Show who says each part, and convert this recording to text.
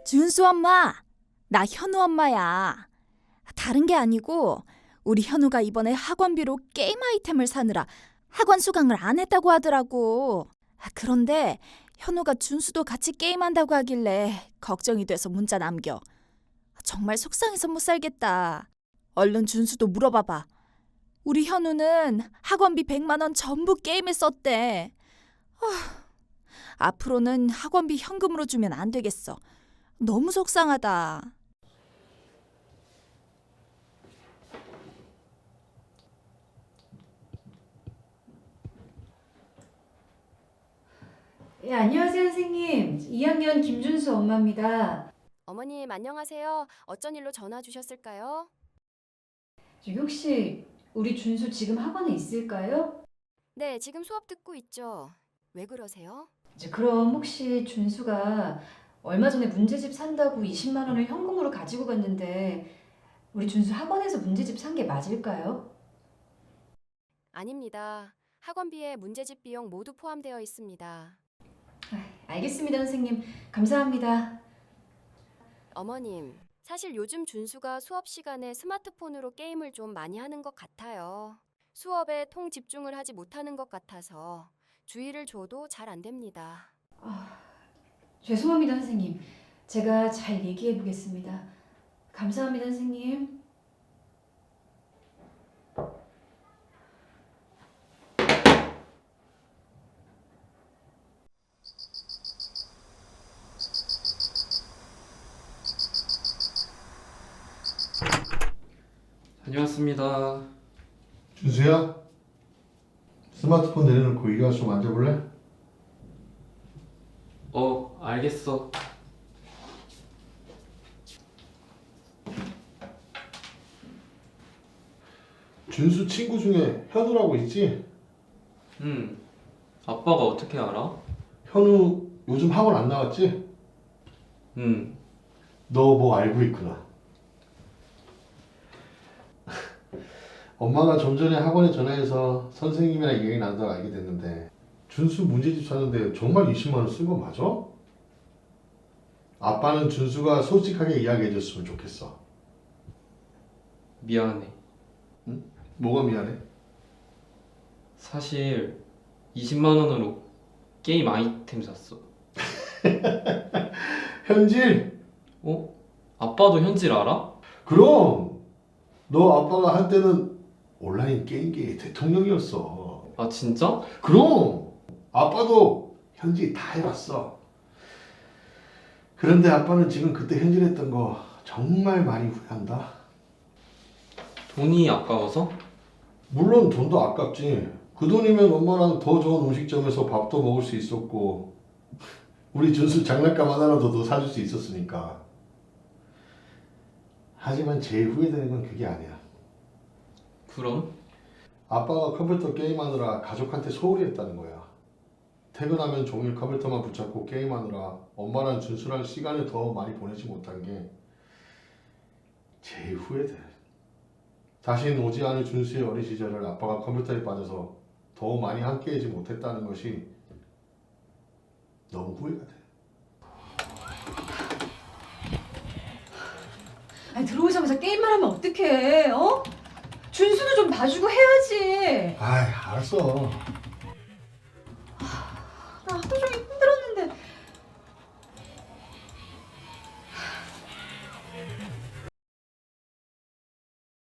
Speaker 1: 준수 엄마, 나 현우 엄마야. 다른 게 아니고 우리 현우가 이번에 학원비로 게임 아이템을 사느라 학원 수강을 안 했다고 하더라고. 그런데 현우가 준수도 같이 게임한다고 하길래 걱정이 돼서 문자 남겨. 정말 속상해서 못 살겠다. 얼른 준수도 물어봐봐. 우리 현우는 학원비 100만 원 전부 게임에 썼대. 앞으로는 학원비 현금으로 주면 안 되겠어. 너무 속상하다.
Speaker 2: 예, 안녕하세요, 선생님. 2학년 김준수 엄마입니다.
Speaker 3: 어머님 안녕하세요. 어쩐 일로 전화 주셨을까요?
Speaker 2: 저기 혹시 우리 준수 지금 학원에 있을까요?
Speaker 3: 네, 지금 수업 듣고 있죠. 왜 그러세요?
Speaker 2: 그럼 혹시 준수가 얼마 전에 문제집 산다고 20만 원을 현금으로 가지고 갔는데 우리 준수 학원에서 문제집 산 게 맞을까요?
Speaker 3: 아닙니다. 학원비에 문제집 비용 모두 포함되어 있습니다.
Speaker 2: 알겠습니다, 선생님. 감사합니다.
Speaker 3: 어머님, 사실 요즘 준수가 수업 시간에 스마트폰으로 게임을 좀 많이 하는 것 같아요. 수업에 통 집중을 하지 못하는 것 같아서 주의를 줘도 잘 안 됩니다.
Speaker 2: 죄송합니다, 선생님. 제가 잘 얘기해 보겠습니다. 감사합니다, 선생님.
Speaker 4: 다녀왔습니다.
Speaker 5: 준수야, 스마트폰 내려놓고 이리 와서 좀 앉아볼래?
Speaker 4: 알겠어.
Speaker 5: 준수 친구 중에 현우라고 있지?
Speaker 4: 아빠가 어떻게 알아?
Speaker 5: 현우 요즘 학원 안 나왔지? 너 뭐 알고 있구나. 엄마가 좀 전에 학원에 전화해서 선생님이랑 얘기 나누다가 알게 됐는데 준수 문제집 사는데 정말 20만 원 쓴 거 맞아? 아빠는 준수가 솔직하게 이야기해줬으면 좋겠어.
Speaker 4: 미안해.
Speaker 5: 뭐가 미안해?
Speaker 4: 사실 20만 원으로 게임 아이템 샀어.
Speaker 5: 현질?
Speaker 4: 아빠도 현질 알아?
Speaker 5: 그럼 너 아빠가 한때는 온라인 게임계의 대통령이었어.
Speaker 4: 아, 진짜?
Speaker 5: 그럼 아빠도 현질 다 해봤어. 그런데 아빠는 지금 그때 현질했던 거 정말 많이 후회한다.
Speaker 4: 돈이 아까워서?
Speaker 5: 물론 돈도 아깝지. 그 돈이면 엄마랑 더 좋은 음식점에서 밥도 먹을 수 있었고 우리 준수 장난감 하나라도 더 사줄 수 있었으니까. 하지만 제일 후회되는 건 그게 아니야.
Speaker 4: 그럼?
Speaker 5: 아빠가 컴퓨터 게임하느라 가족한테 소홀히 했다는 거야. 퇴근하면 종일 컴퓨터만 붙잡고 게임하느라 엄마랑 준수랑 시간을 더 많이 보내지 못한 게 제일 후회돼. 다시는 오지 않을 준수의 어린 시절을 아빠가 컴퓨터에 빠져서 더 많이 함께하지 못했다는 것이 너무 후회가 돼.
Speaker 2: 아니, 들어오자마자 게임만 하면 어떡해, 어? 준수도 좀 봐주고 해야지.
Speaker 5: 아이, 알았어.
Speaker 2: 나 하루 종일